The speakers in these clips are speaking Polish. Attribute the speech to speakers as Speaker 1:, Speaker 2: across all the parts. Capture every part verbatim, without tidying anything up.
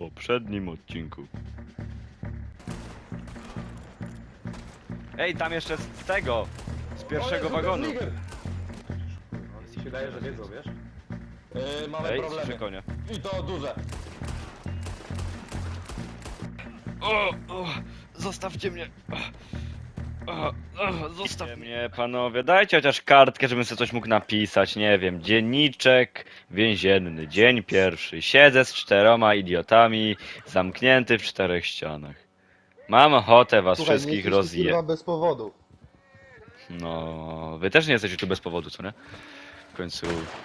Speaker 1: poprzednim odcinku. Ej, tam jeszcze z tego, z pierwszego wagonu.
Speaker 2: Mi się wydaje, że wiedzą, wiesz? Yy, mamy
Speaker 1: Ej,
Speaker 2: problemy.
Speaker 1: słyszę konia.
Speaker 2: I to duże.
Speaker 1: O, o, zostawcie mnie. O, o, zostawcie mnie, panowie. Dajcie chociaż kartkę, żebym sobie coś mógł napisać. Nie wiem, dzienniczek więzienny, dzień pierwszy. Siedzę z czteroma idiotami, zamknięty w czterech ścianach. Mam ochotę was
Speaker 3: Słuchaj, nie
Speaker 1: wszystkich
Speaker 3: jesteś tu,
Speaker 1: rozje...
Speaker 3: kurwa, bez powodu.
Speaker 1: No, wy też nie jesteście tu bez powodu, co nie? W końcu...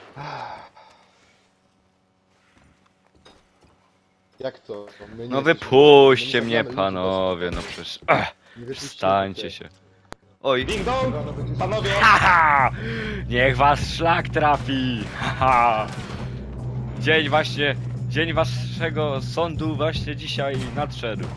Speaker 3: Jak to? My nie
Speaker 1: No
Speaker 3: jesteśmy-
Speaker 1: wypuśćcie
Speaker 3: my nie
Speaker 1: mnie,
Speaker 3: zabijamy ludzi
Speaker 1: panowie, no przecież... Ach,
Speaker 3: bez- nie wypuśćcie
Speaker 1: wstańcie
Speaker 3: mnie.
Speaker 1: się. Oj.
Speaker 2: Ding dong!
Speaker 3: Rano będziesz-
Speaker 2: Panowie!
Speaker 1: Haha! Niech was szlak trafi! Haha! Dzień właśnie, dzień waszego sądu właśnie dzisiaj nadszedł.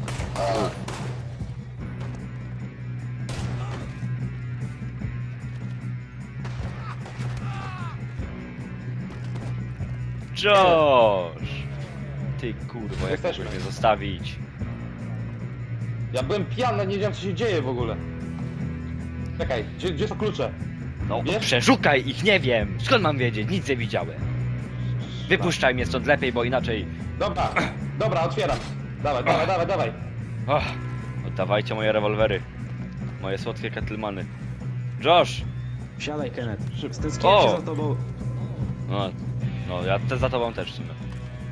Speaker 1: Josh! Ty kurwo, jak
Speaker 2: Jesteśmy.
Speaker 1: mogłeś mnie zostawić?
Speaker 2: Ja byłem pijany, nie wiedziałem co się dzieje w ogóle. Czekaj, gdzie, gdzie są klucze?
Speaker 1: No
Speaker 2: Wiesz?
Speaker 1: przeszukaj ich, nie wiem! Skąd mam wiedzieć? Nic nie widziałem. Wypuszczaj mnie stąd lepiej, bo inaczej...
Speaker 2: Dobra, dobra, otwieram. Dawaj, dawaj, dawaj, dawaj.
Speaker 1: Och, oddawajcie moje rewolwery. Moje słodkie kettlemany. Josh!
Speaker 4: Siadaj, Kenneth.
Speaker 2: Szybko.
Speaker 4: Stęskniłem
Speaker 1: O!
Speaker 4: się za tobą.
Speaker 1: No, no ja te za tobą też w sumie.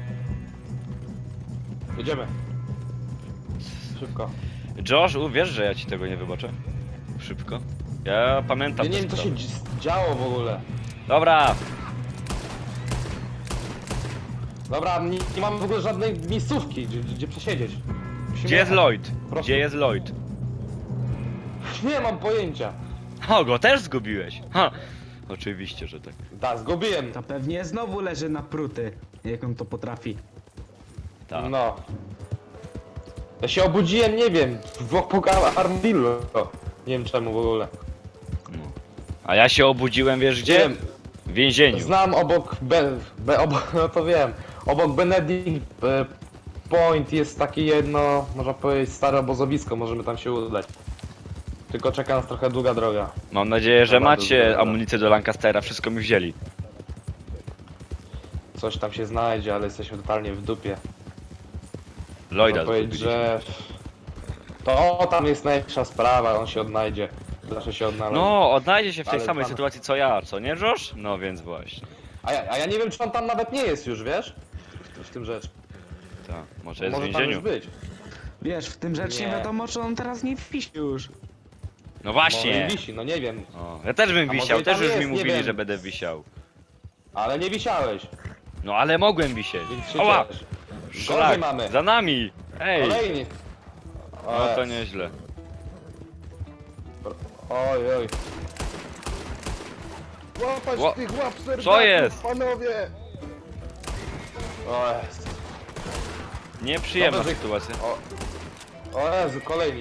Speaker 2: Jedziemy. Szybko.
Speaker 1: Josh, uwierz, że ja ci tego nie wybaczę. Szybko. Ja pamiętam
Speaker 2: Ja nie
Speaker 1: te
Speaker 2: wiem co się
Speaker 1: sprawy.
Speaker 2: dzi- działo w ogóle.
Speaker 1: Dobra,
Speaker 2: Dobra, nie, nie mamy w ogóle żadnej miejscówki, gdzie, gdzie przesiedzieć. Musimy
Speaker 1: gdzie jest
Speaker 2: jechać.
Speaker 1: Lloyd?
Speaker 2: Prosto.
Speaker 1: Gdzie jest Lloyd?
Speaker 2: Nie mam pojęcia.
Speaker 1: O, go też zgubiłeś. Ha! Oczywiście, że tak.
Speaker 2: Da, zgubiłem.
Speaker 4: To pewnie znowu leży na pruty, jak on to potrafi.
Speaker 1: Tak.
Speaker 2: No. Ja się obudziłem, nie wiem, w Pogala Armadillo. Nie wiem czemu w ogóle.
Speaker 1: No. A ja się obudziłem, wiesz gdzie?
Speaker 2: Wiem.
Speaker 1: W więzieniu.
Speaker 2: Znam obok, be, be, obok no to wiem, obok Benedict e, Point jest takie jedno, można powiedzieć, stare obozowisko, możemy tam się udać. Tylko czeka nas trochę długa droga.
Speaker 1: Mam nadzieję, że
Speaker 2: Dobra,
Speaker 1: macie
Speaker 2: dobra.
Speaker 1: amunicję do Lancastera, wszystko mi wzięli.
Speaker 2: Coś tam się znajdzie, ale jesteśmy totalnie w dupie.
Speaker 1: Lloyda
Speaker 2: Można powiedzieć,
Speaker 1: zgubiliśmy.
Speaker 2: że to tam jest najlepsza sprawa, on się odnajdzie. Zawsze się odnaleźć.
Speaker 1: No, odnajdzie się w tej
Speaker 2: Ale
Speaker 1: samej
Speaker 2: pan-
Speaker 1: sytuacji co ja, co nie Josh? No więc właśnie.
Speaker 2: A, ja, a ja nie wiem, czy on tam nawet nie jest już, wiesz? W, w tym rzecz.
Speaker 1: Tak, może jest w
Speaker 2: Może tam już
Speaker 1: więzieniu.
Speaker 2: być.
Speaker 4: Wiesz, w tym rzecz nie
Speaker 2: Nie.
Speaker 4: wiadomo, czy on teraz nie wisi już.
Speaker 1: No
Speaker 2: Może
Speaker 1: właśnie.
Speaker 2: i wisi, no nie wiem.
Speaker 1: O, ja też bym
Speaker 2: A
Speaker 1: wisiał,
Speaker 2: może i tam
Speaker 1: też już mi
Speaker 2: jest, nie
Speaker 1: mówili,
Speaker 2: wiem.
Speaker 1: że będę wisiał.
Speaker 2: Ale nie wisiałeś,
Speaker 1: No ale mogłem wisieć.
Speaker 2: więc się
Speaker 1: Oła!
Speaker 2: ciesz.
Speaker 1: Szlak,
Speaker 2: Gorzej mamy.
Speaker 1: za nami! Ej!
Speaker 2: Kolejny.
Speaker 1: No to nieźle.
Speaker 2: Oj, oj.
Speaker 3: Łapać
Speaker 1: Ło-
Speaker 3: tych łap serdaków,
Speaker 1: Co jest?
Speaker 3: panowie!
Speaker 2: O jest.
Speaker 1: Nieprzyjemna
Speaker 2: Dobra, że-
Speaker 1: sytuacja.
Speaker 2: O, o Jezu, kolejni.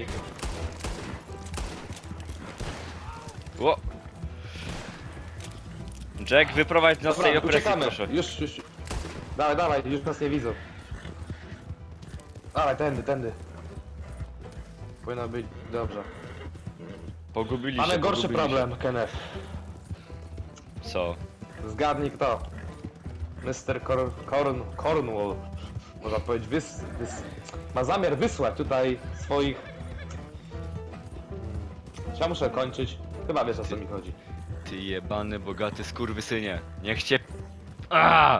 Speaker 1: Ło. Jack, wyprowadź nas z tej
Speaker 2: Dobra,
Speaker 1: opresji,
Speaker 2: uciekamy.
Speaker 1: proszę.
Speaker 2: Już, już. Dawaj, dawaj, już nas nie widzą. Dawaj, tędy, tędy. Powinno być dobrze.
Speaker 1: Pogubili się,
Speaker 2: Mamy gorszy
Speaker 1: pogubili się.
Speaker 2: problem, Kenneth.
Speaker 1: Co?
Speaker 2: Zgadnij kto. mister Cor Corn Cornwall. Można powiedzieć, wys wys ma zamiar wysłać tutaj swoich... Ja muszę kończyć. Chyba wiesz o co mi chodzi.
Speaker 1: Ty jebany, bogaty skurwysynie. Niech cię... Aaaa!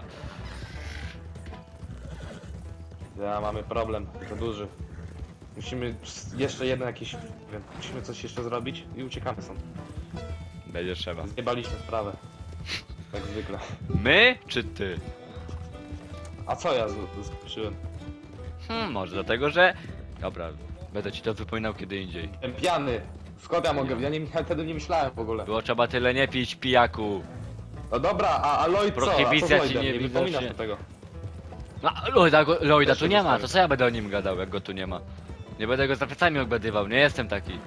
Speaker 2: Ja mamy problem, to duży. Musimy jeszcze jeden jakiś... nie wiem, musimy coś jeszcze zrobić i uciekamy stąd.
Speaker 1: Będzie trzeba.
Speaker 2: Zjebaliśmy sprawę. Jak zwykle.
Speaker 1: My, czy ty?
Speaker 2: A co ja zkuszyłem?
Speaker 1: Hmm, może dlatego, że... Dobra, będę ci to wypominał kiedy indziej.
Speaker 2: Jestem pijany. Skąd ja mogę? Ja, nie, ja wtedy nie myślałem w ogóle.
Speaker 1: Było trzeba tyle nie pić, pijaku.
Speaker 2: No dobra, a, a Lloyd co? A co z
Speaker 1: Prohibicja ci
Speaker 2: Lloydem?
Speaker 1: nie
Speaker 2: Nie
Speaker 1: widocznie-
Speaker 2: wypominasz do tego.
Speaker 1: No, Lloyda, go- Lloyda
Speaker 2: Też
Speaker 1: tu
Speaker 2: się
Speaker 1: nie ma,
Speaker 2: dostałem.
Speaker 1: to co ja będę o nim gadał, jak go tu nie ma? Nie będę go za plecami obgadywał, nie jestem taki.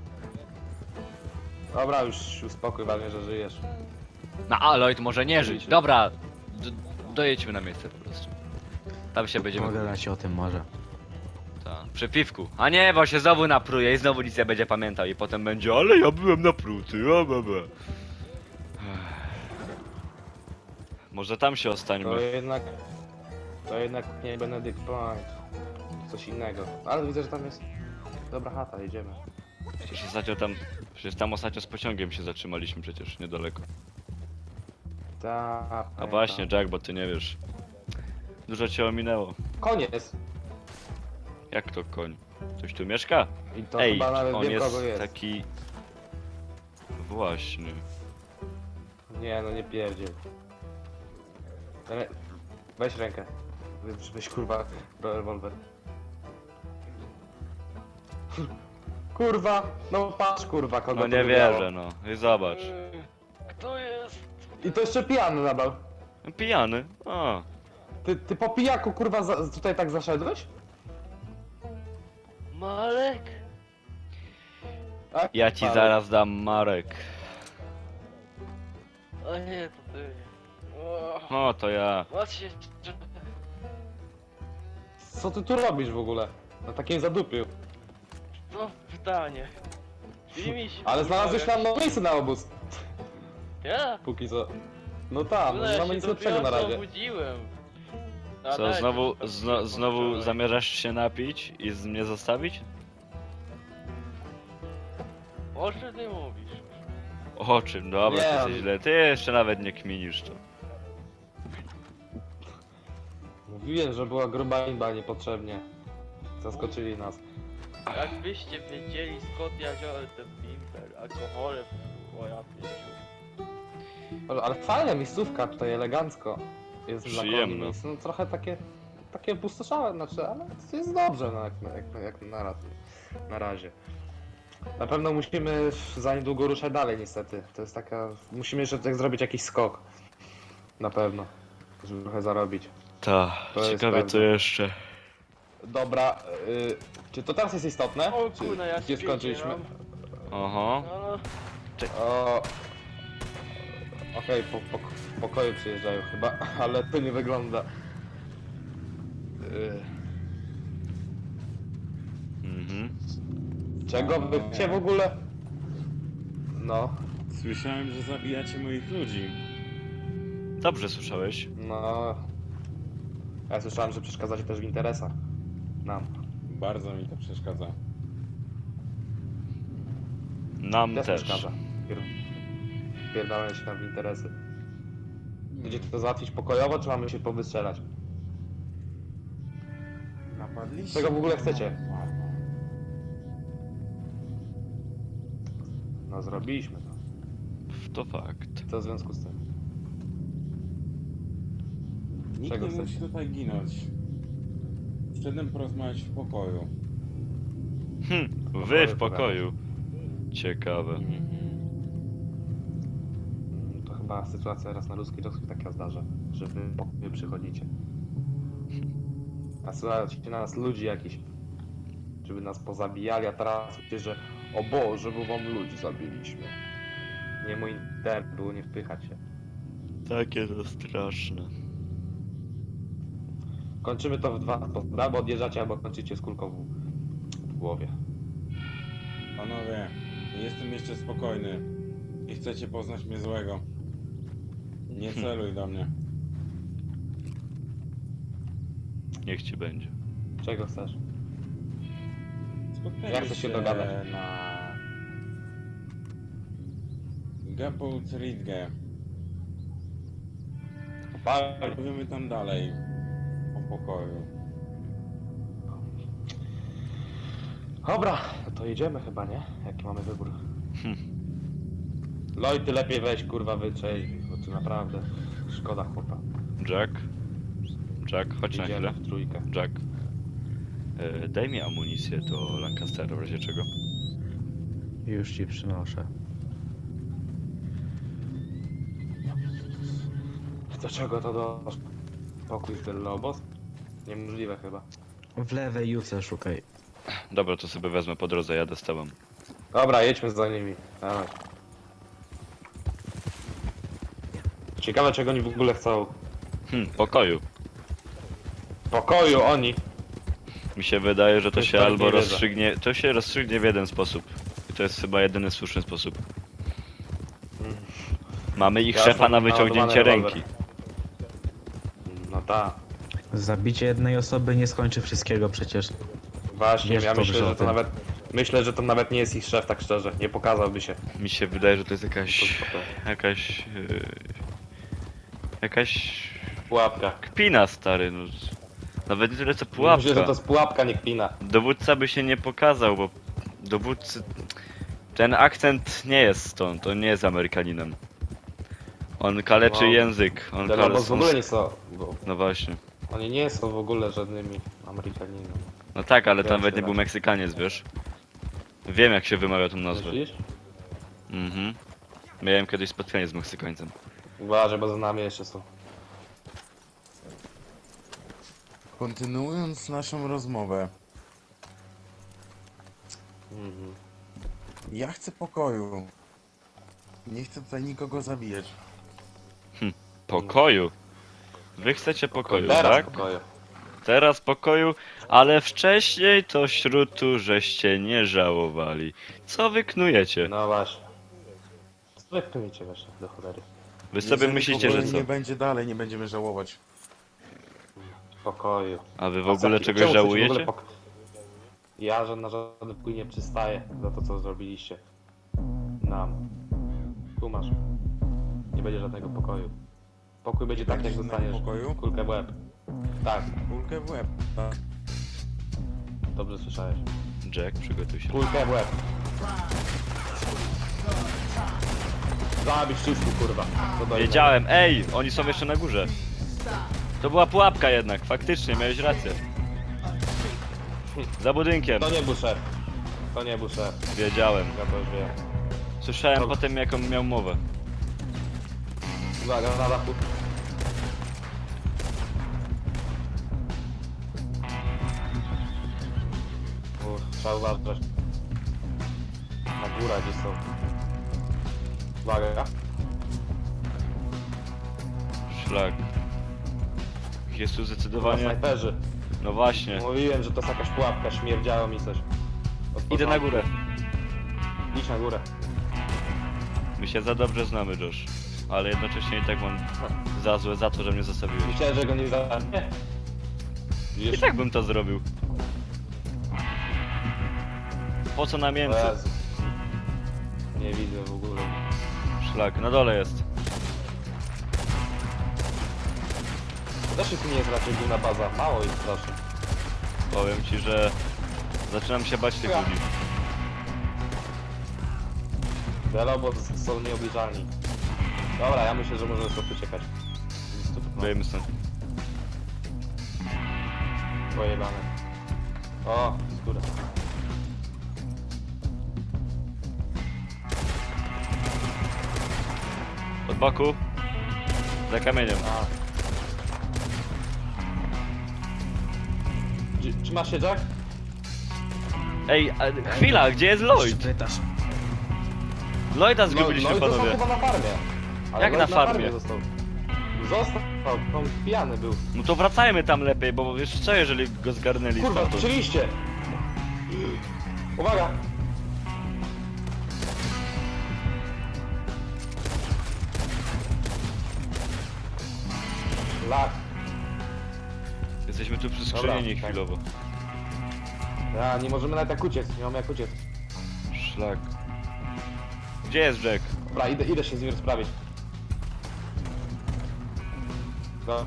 Speaker 2: Dobra, już uspokój, ważne, że żyjesz.
Speaker 1: No a Lloyd może nie żyć. Dobra, d- dojedźmy na miejsce po prostu. Tam się będziemy...
Speaker 4: Pogadać o tym może.
Speaker 1: Ta, przy piwku. A nie, bo się znowu napruje i znowu nic nie będzie pamiętał i potem będzie, ale ja byłem napruty, a bebe. Może tam się
Speaker 2: To
Speaker 1: ostańmy.
Speaker 2: jednak... To jednak nie Benedict Point. Coś innego. Ale widzę, że tam jest... Dobra chata, jedziemy.
Speaker 1: Przecież ostatnio tam... Przecież tam ostatnio z pociągiem się zatrzymaliśmy przecież, niedaleko.
Speaker 2: Ta,
Speaker 1: A właśnie, Jack, bo ty nie wiesz. Dużo cię ominęło.
Speaker 2: Koniec!
Speaker 1: Jak to koń? Ktoś tu mieszka?
Speaker 2: I to
Speaker 1: Ej,
Speaker 2: chyba nawet
Speaker 1: on
Speaker 2: wiem
Speaker 1: jest,
Speaker 2: kogo jest.
Speaker 1: taki... Właśnie.
Speaker 2: Nie, no nie pierdziel. Re... Weź rękę. Weź, weź kurwa rewolwer. Kurwa! No patrz kurwa kogo
Speaker 1: No
Speaker 2: to
Speaker 1: nie
Speaker 2: wybrało.
Speaker 1: wierzę, no. I zobacz.
Speaker 5: Kto jest?
Speaker 2: I to jeszcze pijany nadal.
Speaker 1: Pijany. O.
Speaker 2: Ty, ty po pijaku kurwa za, tutaj tak zaszedłeś?
Speaker 5: Malek?
Speaker 2: A,
Speaker 1: Ja ci
Speaker 2: ale-
Speaker 1: zaraz dam Marek.
Speaker 5: A nie, to ty. O,
Speaker 1: O, to ja.
Speaker 5: macie...
Speaker 2: Co ty tu robisz w ogóle? Na takim zadupiu.
Speaker 5: To pytanie. Czyli mi się...
Speaker 2: Ale znalazłeś tam no miejsce na obóz.
Speaker 5: Ja?
Speaker 2: Póki co. No tak, no
Speaker 5: ja
Speaker 2: nie mamy
Speaker 5: się
Speaker 2: nic lepszego na
Speaker 5: dopiero
Speaker 2: razie.
Speaker 5: obudziłem. A
Speaker 1: Co,
Speaker 5: dajcie
Speaker 1: znowu,
Speaker 5: tam
Speaker 1: zno,
Speaker 5: się
Speaker 1: znowu
Speaker 5: poczekaj.
Speaker 1: zamierzasz się napić i z mnie zostawić?
Speaker 5: O czym ty mówisz?
Speaker 1: O czym? Dobra,
Speaker 2: Nie,
Speaker 1: to
Speaker 2: on-
Speaker 1: jest źle. Ty jeszcze nawet nie kminisz to.
Speaker 2: Mówiłem, że była gruba imba niepotrzebnie. Zaskoczyli nas.
Speaker 5: Jakbyście wiedzieli skąd ja wziąłem ten bimber, alkoholem, o ja pięciu.
Speaker 2: Ale, ale fajna miejscówka tutaj, elegancko. Jest dla
Speaker 1: Przyjemna.
Speaker 2: koni miejsce. No trochę takie, takie pustoszałe, znaczy, ale to jest dobrze, no, jak, jak, jak na, raz, na razie. Na pewno musimy za niedługo ruszać dalej niestety. To jest taka, musimy jeszcze tak zrobić jakiś skok. Na pewno, żeby trochę zarobić.
Speaker 1: Ta,
Speaker 2: To jest
Speaker 1: ciekawe co
Speaker 2: prawda.
Speaker 1: jeszcze.
Speaker 2: Dobra, y, czy to teraz jest istotne?
Speaker 5: O
Speaker 2: Czy
Speaker 5: kurna, ja
Speaker 2: gdzie
Speaker 5: się
Speaker 2: skończyliśmy?
Speaker 5: wiedziałem.
Speaker 1: Oho.
Speaker 5: No, no.
Speaker 2: O... Okej, po, po, pokoju przyjeżdżają chyba, ale to nie wygląda. Yy,
Speaker 1: Mhm.
Speaker 2: czego wy chcecie w ogóle? No,
Speaker 6: Słyszałem, że zabijacie moich ludzi.
Speaker 1: Dobrze słyszałeś.
Speaker 2: no. Ja słyszałem, że przeszkadzacie też w interesach. Nam.
Speaker 6: Bardzo mi to przeszkadza.
Speaker 1: Nam
Speaker 2: Też
Speaker 1: też.
Speaker 2: przeszkadza. Pier... Pierdolę się tam w interesy. Będziecie to załatwić pokojowo, czy mamy się powystrzelać?
Speaker 6: Napadliście?
Speaker 2: Czego w ogóle chcecie?
Speaker 6: Ładno.
Speaker 2: No zrobiliśmy to.
Speaker 1: To fakt.
Speaker 2: Co w związku z tym?
Speaker 6: Nikt
Speaker 2: Czego
Speaker 6: nie
Speaker 2: chcecie?
Speaker 6: musi tutaj ginąć. Wszedłem porozmawiać w pokoju.
Speaker 1: Hm, wy w pokoju. Ciekawe.
Speaker 2: Mm, To chyba sytuacja raz na ludzki czas się taka zdarza, że wy po pokoju przychodzicie. A słuchajcie na nas ludzi jakiś, żeby nas pozabijali, a teraz mówicie, że o Boże, bo wam ludzi zabiliśmy. Nie mój internet było nie wpychać się.
Speaker 1: Takie to straszne.
Speaker 2: Kończymy to w dwa sposoby, albo odjeżdżacie, albo kończycie z kulką w, w głowie.
Speaker 6: Panowie, jestem jeszcze spokojny. I chcecie poznać mnie złego. Nie celuj do mnie.
Speaker 1: Niech ci będzie.
Speaker 2: Czego chcesz?
Speaker 6: Spotkajmy
Speaker 2: Jak chcesz się dogadać?
Speaker 6: na... Gapult Ridge.
Speaker 2: Pal-
Speaker 6: Powiemy tam dalej. O pokoju.
Speaker 2: Dobra, no to jedziemy chyba, nie? Jaki mamy wybór? Lloyd, ty lepiej weź, kurwa, wyczej, bo tu naprawdę szkoda chłopa.
Speaker 1: Jack? Jack, chodź na
Speaker 2: Idziemy
Speaker 1: chwilę.
Speaker 2: w trójkę.
Speaker 1: Jack. E, daj mi amunicję do Lancastera, w razie czego.
Speaker 4: Już ci przynoszę.
Speaker 2: Do czego to do... Pokój z Del Lobos? Niemożliwe chyba.
Speaker 4: W lewej juce szukaj.
Speaker 1: Dobra, to sobie wezmę po drodze, jadę z tobą.
Speaker 2: Dobra, jedźmy za nimi. Dawaj. Ciekawe czego oni w ogóle chcą.
Speaker 1: Hm, pokoju.
Speaker 2: pokoju oni.
Speaker 1: Mi się wydaje, że to
Speaker 2: Coś
Speaker 1: się
Speaker 2: tak
Speaker 1: albo
Speaker 2: nie wierzę.
Speaker 1: rozstrzygnie, to się rozstrzygnie w jeden sposób. I to jest chyba jedyny słuszny sposób. Mamy ich
Speaker 2: Ja
Speaker 1: szefa
Speaker 2: mam
Speaker 1: na wyciągnięcie
Speaker 2: naładowany
Speaker 1: ręki.
Speaker 2: rewolwer. No tak.
Speaker 4: Zabicie jednej osoby nie skończy wszystkiego przecież.
Speaker 2: Właśnie,
Speaker 4: Wiesz
Speaker 2: ja
Speaker 4: dobrze
Speaker 2: myślę,
Speaker 4: o
Speaker 2: że to
Speaker 4: tym.
Speaker 2: nawet... Myślę, że to nawet nie jest ich szef, tak szczerze. Nie pokazałby się.
Speaker 1: Mi się wydaje, że to jest jakaś...
Speaker 2: To spoko.
Speaker 1: jakaś... Yy, jakaś...
Speaker 2: Pułapka.
Speaker 1: kpina, stary, no. Nawet nie tyle co
Speaker 2: Myślę,
Speaker 1: pułapka.
Speaker 2: że to jest pułapka, nie kpina.
Speaker 1: Dowódca by się nie pokazał, bo dowódcy... Ten akcent nie jest stąd, on nie jest Amerykaninem. On kaleczy
Speaker 2: No.
Speaker 1: język, on
Speaker 2: Delobos
Speaker 1: kaleczy...
Speaker 2: w ogóle nie są... bo
Speaker 1: No właśnie.
Speaker 2: Oni nie są w ogóle żadnymi Amerykanami.
Speaker 1: No tak, ale tam
Speaker 2: Wiem,
Speaker 1: nawet nie
Speaker 2: że
Speaker 1: był
Speaker 2: tak.
Speaker 1: Meksykaniec, wiesz? Wiem jak się wymawia tą nazwę.
Speaker 2: Myślisz?
Speaker 1: Mhm. Miałem kiedyś spotkanie z Meksykańcem.
Speaker 2: Uważaj, bo za nami jeszcze są.
Speaker 6: Kontynuując naszą rozmowę,
Speaker 2: Mhm.
Speaker 6: ja chcę pokoju. Nie chcę tutaj nikogo zabijać.
Speaker 1: Pokoju. Wy chcecie pokoju,
Speaker 2: Teraz
Speaker 1: tak?
Speaker 2: pokoju.
Speaker 1: Teraz pokoju, ale wcześniej to śrutu żeście nie żałowali. Co wy knujecie?
Speaker 2: No właśnie. Co wy kmiecie właśnie, do cholery?
Speaker 1: Wy sobie
Speaker 6: Jeżeli
Speaker 1: myślicie,
Speaker 6: pokoju
Speaker 1: że co?
Speaker 6: nie będzie dalej, nie będziemy żałować.
Speaker 2: Pokoju.
Speaker 1: A wy w
Speaker 2: A
Speaker 1: ogóle
Speaker 2: co-
Speaker 1: czegoś
Speaker 2: czemu chcecie w ogóle
Speaker 1: żałujecie?
Speaker 2: pok- Ja że na żaden pokój nie przystaję za to, co zrobiliście. Nam. Tu masz. Nie będzie żadnego pokoju. Pokój będzie tak, jak
Speaker 6: będzie żadnego
Speaker 2: dostaniesz
Speaker 6: pokoju?
Speaker 2: kulkę w łeb. Tak,
Speaker 6: Kulkę w łeb. Tak.
Speaker 2: dobrze słyszałeś.
Speaker 1: Jack, przygotuj się.
Speaker 2: Kulkę w łeb. Zabić wszystko, kurwa. Co do
Speaker 1: Wiedziałem, ej, oni są jeszcze na górze. To była pułapka jednak, faktycznie, miałeś rację. Za budynkiem,
Speaker 2: To nie był szef. To nie był szef.
Speaker 1: wiedziałem.
Speaker 2: Ja to już wiem.
Speaker 1: Słyszałem
Speaker 2: Dobra.
Speaker 1: potem jaką miał mowę.
Speaker 2: Uwaga, na dachu. Uff, trzeba uważać. Na górę gdzie są. Uwaga.
Speaker 1: Szlak. Jest tu
Speaker 2: Chyba
Speaker 1: zdecydowanie...
Speaker 2: snajperzy.
Speaker 1: No właśnie.
Speaker 2: Mówiłem, że to jest jakaś pułapka, śmierdziało mi coś. Od
Speaker 1: Idę na
Speaker 2: początku.
Speaker 1: górę.
Speaker 2: Idź na górę.
Speaker 1: My się za dobrze znamy, Josh. Ale jednocześnie i tak mam za złe za to, że mnie zostawiłeś.
Speaker 2: Myślałem, że go nie zacznie.
Speaker 1: I
Speaker 2: Widzisz?
Speaker 1: tak bym to zrobił. Po co na
Speaker 2: O
Speaker 1: mięso?
Speaker 2: Jezu. Nie widzę w ogóle.
Speaker 1: Szlak, na dole jest.
Speaker 2: To też jest nie jest raczej główna baza. Mało ich strasznie.
Speaker 1: Powiem ci, że zaczynam się bać tych
Speaker 2: Ja.
Speaker 1: ludzi.
Speaker 2: Delobos są nieobliczalni. Dobra, ja myślę, że możemy stąd uciekać. No,
Speaker 1: Wyjemy stąd.
Speaker 2: pojebane. O, skóra.
Speaker 1: Od boku. Za kamieniem.
Speaker 2: A. Czy- Trzymasz się, Jack?
Speaker 1: Ej, a, chwila, gdzie jest Lloyd?
Speaker 4: Pytasz.
Speaker 1: Lloyda zgubiliśmy,
Speaker 2: no, no i został
Speaker 1: panowie.
Speaker 2: chyba na farmie. Ale
Speaker 1: Jak
Speaker 2: Lloyd
Speaker 1: na farmie?
Speaker 2: został. Został, on pijany był.
Speaker 1: No to wracajmy tam lepiej, bo wiesz co, jeżeli go zgarnęli
Speaker 2: Kurwa,
Speaker 1: stamtąd?
Speaker 2: słyszeliście! Uwaga! Lak.
Speaker 1: Jesteśmy tu przyskrzywieni
Speaker 2: Dobra, tak.
Speaker 1: chwilowo.
Speaker 2: Ja, nie możemy nawet jak uciec, nie mamy jak uciec.
Speaker 1: Szlak. Gdzie jest Jack?
Speaker 2: Dobra, idę, idę się z nim rozprawić. No.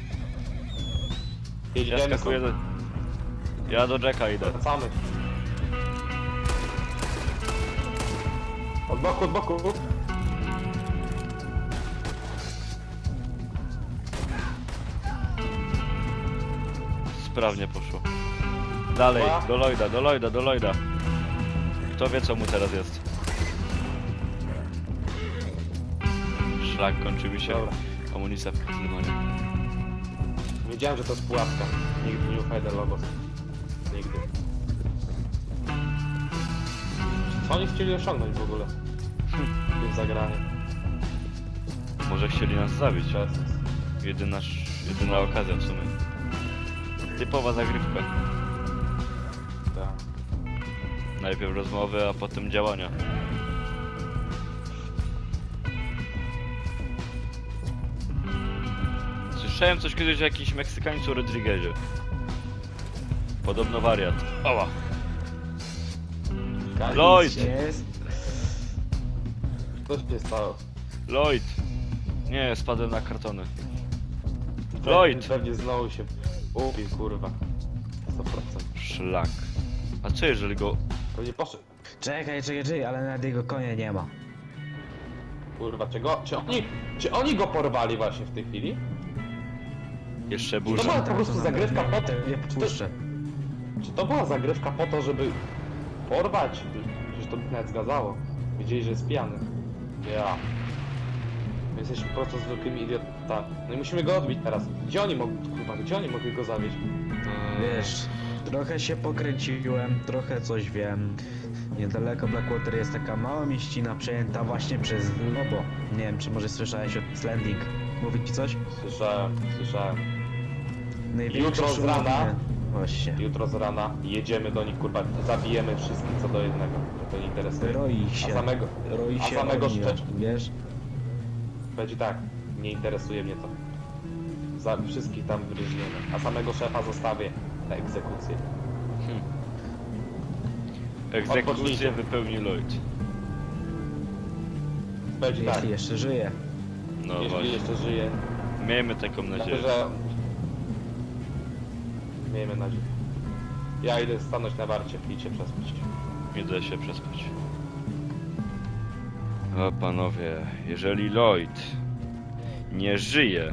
Speaker 1: Ja
Speaker 2: Jedziemy
Speaker 1: skakuję
Speaker 2: stąd.
Speaker 1: do... Ja do Jacka idę.
Speaker 2: Wracamy. Od boku, od boku.
Speaker 1: Sprawnie poszło. Dalej,
Speaker 2: Dwa.
Speaker 1: do Lloyda, do Lloyda, do Lloyda. Kto wie co mu teraz jest? Szlak, kończy mi się
Speaker 2: Dobra.
Speaker 1: amunicja w kazymanie.
Speaker 2: Wiedziałem, że to jest pułapka. Nigdy nie ufaj Delobos. Nigdy. Co oni chcieli osiągnąć w ogóle? W zagraniu.
Speaker 1: Może chcieli nas zabić.
Speaker 2: Przez.
Speaker 1: Jedyna, jedyna okazja w sumie. Typowa zagrywka.
Speaker 2: Tak.
Speaker 1: Najpierw rozmowy, a potem działania. Słyszałem coś kiedyś o jakimś Meksykańcu Rodriguezie. Podobno wariat. Ała! Lloyd!
Speaker 4: Jest.
Speaker 2: Co się stało?
Speaker 1: Lloyd! Nie, spadłem na kartony. Lloyd!
Speaker 2: Pewnie znowu się upił, kurwa. sto procent.
Speaker 1: Szlak. A co jeżeli go...
Speaker 2: Pewnie poszedł.
Speaker 4: Czekaj, czekaj, czekaj, ale nawet jego konia nie ma.
Speaker 2: Kurwa, czego? Czy oni, czy oni go porwali właśnie w tej chwili?
Speaker 1: Jeszcze
Speaker 2: To
Speaker 1: burza?
Speaker 2: była po prostu zagrywka po to,
Speaker 4: Nie puszczę.
Speaker 2: czy to była zagrywka po to, żeby porwać? Przecież to by nawet zgadzało. Wiedzieli, że jest pijany. Ja. My jesteśmy po prostu zwykłymi idiotami. No i musimy go odbić teraz. Gdzie oni mogli, kurwa, gdzie oni mogli go zawieźć?
Speaker 4: Wiesz, trochę się pokręciłem, trochę coś wiem. Niedaleko Blackwater jest taka mała mieścina przejęta właśnie przez Lobo. Nie wiem, czy może słyszałeś o Slanding. Mówi ci coś?
Speaker 2: Słyszałem, słyszałem.
Speaker 4: Największe
Speaker 2: Jutro z
Speaker 4: szumownie.
Speaker 2: rana?
Speaker 4: Właśnie.
Speaker 2: Jutro z rana jedziemy do nich, kurwa, zabijemy wszystkich co do jednego. To nie interesuje.
Speaker 4: Roi
Speaker 2: A
Speaker 4: się.
Speaker 2: samego,
Speaker 4: Roi
Speaker 2: a
Speaker 4: się
Speaker 2: samego
Speaker 4: ognia,
Speaker 2: szczecz...
Speaker 4: wiesz?
Speaker 2: Będzie tak, nie interesuje mnie to. Za wszystkich tam wyróżniemy, a samego szefa zostawię na egzekucję.
Speaker 1: Egzekucję
Speaker 2: Odpocznijcie.
Speaker 1: wypełni Lloyd.
Speaker 2: Będzie tak,
Speaker 4: Jeśli jeszcze żyje.
Speaker 1: No
Speaker 2: jeśli
Speaker 1: właśnie.
Speaker 2: jeszcze żyje,
Speaker 1: Miejmy taką
Speaker 2: myślę,
Speaker 1: nadzieję.
Speaker 2: że... Miejmy nadzieję. Ja idę stanąć na warcie i cię przespać.
Speaker 1: Idę się przespać. O panowie, jeżeli Lloyd nie żyje,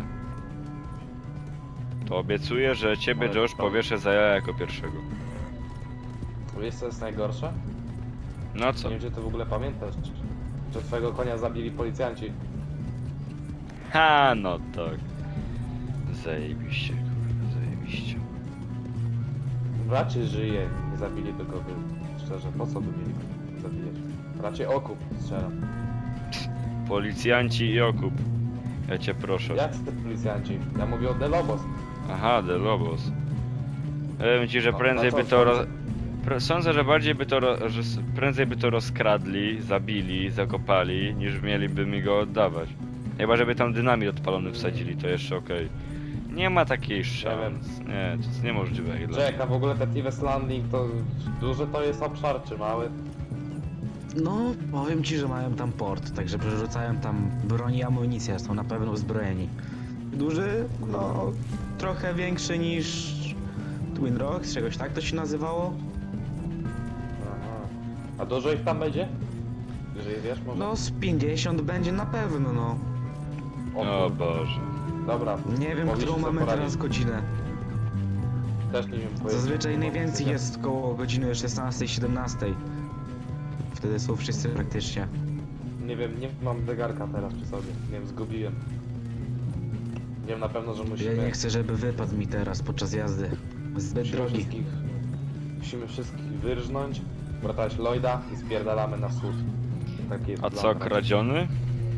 Speaker 1: to obiecuję, że ciebie
Speaker 2: Ale
Speaker 1: Josh
Speaker 2: to-
Speaker 1: powieszę za jaja jako pierwszego.
Speaker 2: Wiesz co jest najgorsze?
Speaker 1: No co?
Speaker 2: Nie wiem, czy ty w ogóle pamiętasz, że twojego konia zabili policjanci.
Speaker 1: Ha, no tak. Zajebiście, kurwa, zajebiście.
Speaker 2: Raczej żyje, nie zabili tylko wy. Szczerze, po co by mieli go zabijać? Raczej okup strzelam.
Speaker 1: Policjanci i okup. Ja cię proszę.
Speaker 2: Jak te policjanci? Ja mówię o The Lobos.
Speaker 1: Aha, The Lobos. Powiem ci, że
Speaker 2: No,
Speaker 1: prędzej
Speaker 2: na
Speaker 1: by
Speaker 2: co
Speaker 1: to... Ro...
Speaker 2: sądzę?
Speaker 1: Pr- Sądzę, że bardziej by to... Ro... że s- prędzej by to rozkradli, zabili, zakopali, niż mieliby mi go oddawać. Chyba, żeby tam dynamit odpalony wsadzili, to jeszcze okej. Nie ma takiej szans. Nie, to jest niemożliwe. Ile.
Speaker 2: Czeka, w ogóle ten Tives Landing to duży to jest obszar, czy mały?
Speaker 4: No, powiem ci, że mają tam port, także przerzucają tam broń i amunicję, są na pewno uzbrojeni. Duży? No, trochę większy niż Twin Rocks, czegoś tak to się nazywało?
Speaker 2: Aha. A dużo ich tam będzie? Jeżeli wiesz, może?
Speaker 4: No, z pięćdziesiąt będzie na pewno, no.
Speaker 2: O,
Speaker 1: O
Speaker 2: kurwa.
Speaker 1: Boże.
Speaker 2: Dobra.
Speaker 4: Nie wiem,
Speaker 2: mogliście
Speaker 4: którą
Speaker 2: sobie
Speaker 4: mamy
Speaker 2: poradzić.
Speaker 4: teraz godzinę.
Speaker 2: Też nie wiem powiedzieć.
Speaker 4: Zazwyczaj najwięcej
Speaker 2: Mogę-
Speaker 4: jest koło godziny szesnastej siedemnastej. Wtedy są wszyscy praktycznie.
Speaker 2: Nie wiem, nie mam zegarka teraz przy sobie. Nie wiem, zgubiłem. Wiem na pewno, że
Speaker 4: Ja
Speaker 2: musimy...
Speaker 4: nie chcę, żeby wypadł mi teraz podczas jazdy. Zbyt
Speaker 2: musimy
Speaker 4: drogi.
Speaker 2: wszystkich... Musimy wszystkich wyrżnąć, uratować Lloyda i spierdalamy na wschód. Taki jest
Speaker 1: A
Speaker 2: plan
Speaker 1: co,
Speaker 2: na razie.
Speaker 1: kradziony?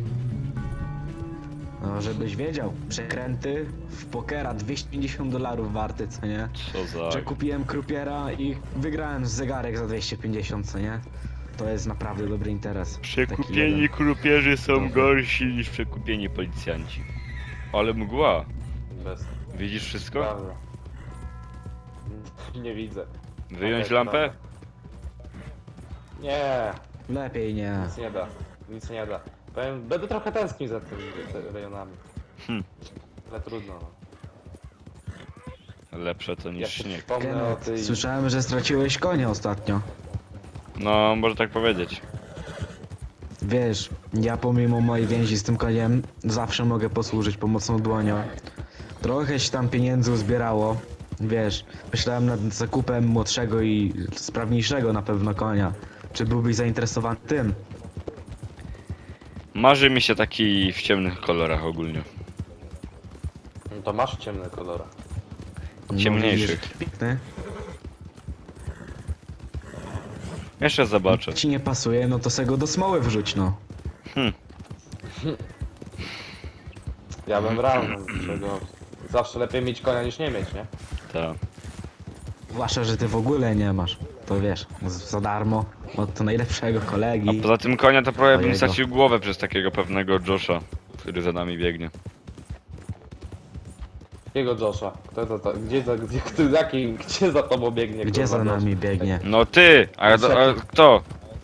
Speaker 4: No, żebyś wiedział, przekręty w pokera dwieście pięćdziesiąt dolarów warty, co nie?
Speaker 1: Co za...
Speaker 4: Że kupiłem krupiera i wygrałem zegarek za dwieście pięćdziesiąt, co nie? To jest naprawdę dobry interes. Taki
Speaker 1: Przekupieni
Speaker 4: jeden.
Speaker 1: krupierzy są
Speaker 4: Dobry.
Speaker 1: gorsi niż przekupieni policjanci. Ale mgła.
Speaker 2: Bez...
Speaker 1: Widzisz wszystko?
Speaker 2: Prawda. Nie widzę.
Speaker 1: Wyjąć
Speaker 2: Okej,
Speaker 1: lampę?
Speaker 2: dobra. Nie,
Speaker 4: Lepiej nie.
Speaker 2: nic nie da. Nic nie da. Powiem, będę trochę tęsknił za tymi te- rejonami.
Speaker 1: Hm.
Speaker 2: Ale trudno. No.
Speaker 1: Lepsze to
Speaker 2: Jak
Speaker 1: niż
Speaker 2: się
Speaker 1: śnieg.
Speaker 2: przypomnę o
Speaker 4: Kenneth,
Speaker 2: tej...
Speaker 4: słyszałem, że straciłeś konia ostatnio.
Speaker 1: No, może tak powiedzieć.
Speaker 4: Wiesz, ja pomimo mojej więzi z tym koniem zawsze mogę posłużyć pomocną dłonią. Trochę się tam pieniędzy uzbierało. Wiesz, myślałem nad zakupem młodszego i sprawniejszego na pewno konia. Czy byłbyś zainteresowany tym?
Speaker 1: Marzy mi się taki w ciemnych kolorach ogólnie.
Speaker 2: No to masz ciemne kolory.
Speaker 1: Ciemniejszych.
Speaker 4: widzisz, Piękny.
Speaker 1: Jeszcze zobaczę.
Speaker 4: Ci nie pasuje, no to se go do smoły wrzuć, no.
Speaker 1: Hm.
Speaker 2: Ja bym brał, no, czego... Zawsze lepiej mieć konia niż nie mieć, nie?
Speaker 1: Tak.
Speaker 4: Zwłaszcza, że ty w ogóle nie masz. To wiesz, z- za darmo, od najlepszego
Speaker 1: A
Speaker 4: kolegi.
Speaker 1: poza tym konia to prawie bym
Speaker 4: Twojego.
Speaker 1: stracił głowę przez takiego pewnego Josha, który za nami biegnie.
Speaker 2: Jakiego Josha? Kto to, to, gdzie, za, gdzie, kto, jaki, gdzie za tobą biegnie?
Speaker 4: Gdzie
Speaker 2: kurwa,
Speaker 4: za
Speaker 2: Josh?
Speaker 4: nami biegnie?
Speaker 1: No ty! A, a, a kto?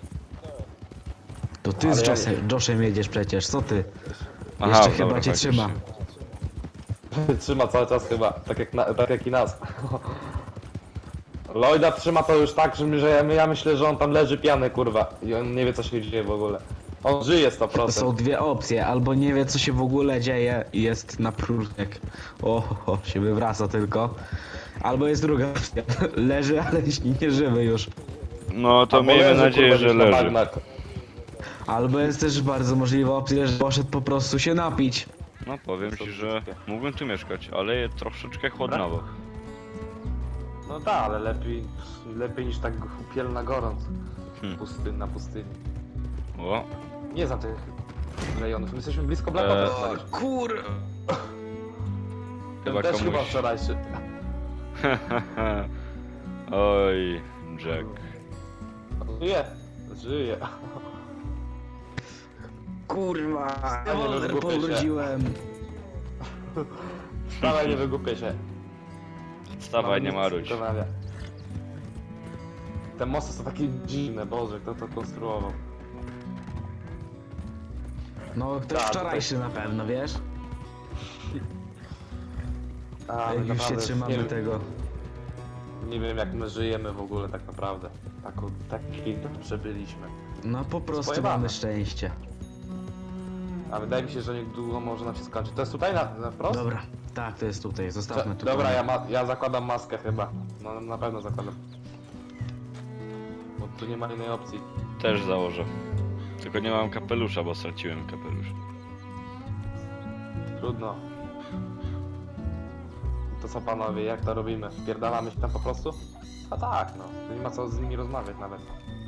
Speaker 4: To ty
Speaker 2: Ale
Speaker 4: z
Speaker 2: ja-
Speaker 4: Joshem, Joshem jedziesz przecież, co ty?
Speaker 1: Aha,
Speaker 4: Jeszcze
Speaker 1: dobra,
Speaker 4: chyba cię
Speaker 1: faktycznie.
Speaker 4: trzyma.
Speaker 2: Trzyma cały czas chyba, tak jak, na, tak jak i nas. Lloyda trzyma to już tak, że, my, że ja, ja myślę, że on tam leży pijany, kurwa. I on nie wie, co się dzieje w ogóle. On żyje sto
Speaker 4: To
Speaker 2: procent.
Speaker 4: są dwie opcje, albo nie wie co się w ogóle dzieje i jest na próżniak. O, o, się wywraca tylko. Albo jest druga opcja, leży, ale nie żywy już.
Speaker 1: No to
Speaker 2: Albo
Speaker 1: miejmy
Speaker 2: leży,
Speaker 1: nadzieję,
Speaker 2: kurwa,
Speaker 1: że
Speaker 2: gdzieś na
Speaker 1: leży.
Speaker 2: bagnach.
Speaker 4: Albo jest też bardzo możliwa opcja, że poszedł po prostu się napić.
Speaker 1: No powiem ci, że mógłbym tu mieszkać, ale jest troszeczkę chłodnawo.
Speaker 2: No tak, ale lepiej, lepiej niż tak upiel na gorąc.
Speaker 1: Hmm.
Speaker 2: Pustyn na pustyni.
Speaker 1: O,
Speaker 2: Nie znam tych rejonów, my jesteśmy blisko Blackout.
Speaker 1: Eee,
Speaker 2: Eee,
Speaker 4: Kur...
Speaker 1: chyba
Speaker 2: Też chyba
Speaker 1: komuś...
Speaker 2: wczorajszy.
Speaker 1: Oj, Jack.
Speaker 2: Żyje, żyje.
Speaker 4: Kurwa,
Speaker 2: Ja nie
Speaker 4: rewolwer
Speaker 2: wygłupię się.
Speaker 4: powróciłem.
Speaker 2: Wcale nie wygłupię się.
Speaker 1: Wstawaj, nie
Speaker 2: Mam nic
Speaker 1: maruć.
Speaker 2: do wykonania. Te mosty są takie dziwne, Boże, kto to konstruował?
Speaker 4: No, ktoś
Speaker 2: Tak,
Speaker 4: wczorajszy na pewno, wiesz?
Speaker 2: A, my
Speaker 4: Jak już się
Speaker 2: naprawdę
Speaker 4: trzymamy
Speaker 2: nie, wiem-
Speaker 4: tego.
Speaker 2: nie wiem jak my żyjemy w ogóle tak naprawdę. Taką, taki dobrze byliśmy.
Speaker 4: No po prostu
Speaker 2: Pojebane.
Speaker 4: mamy szczęście.
Speaker 2: A wydaje mi się, że niedługo może nam się skończyć. To jest tutaj na, na wprost?
Speaker 4: Dobra, tak, to jest tutaj, zostawmy tu.
Speaker 2: Dobra, ja, ma, ja zakładam maskę chyba. No na pewno zakładam. Bo tu nie ma innej opcji.
Speaker 1: Też założę. Tylko nie mam kapelusza, bo straciłem kapelusz.
Speaker 2: Trudno. To co panowie, jak to robimy? Wpierdalamy się tam po prostu? A tak, no. Tu nie ma co z nimi rozmawiać nawet.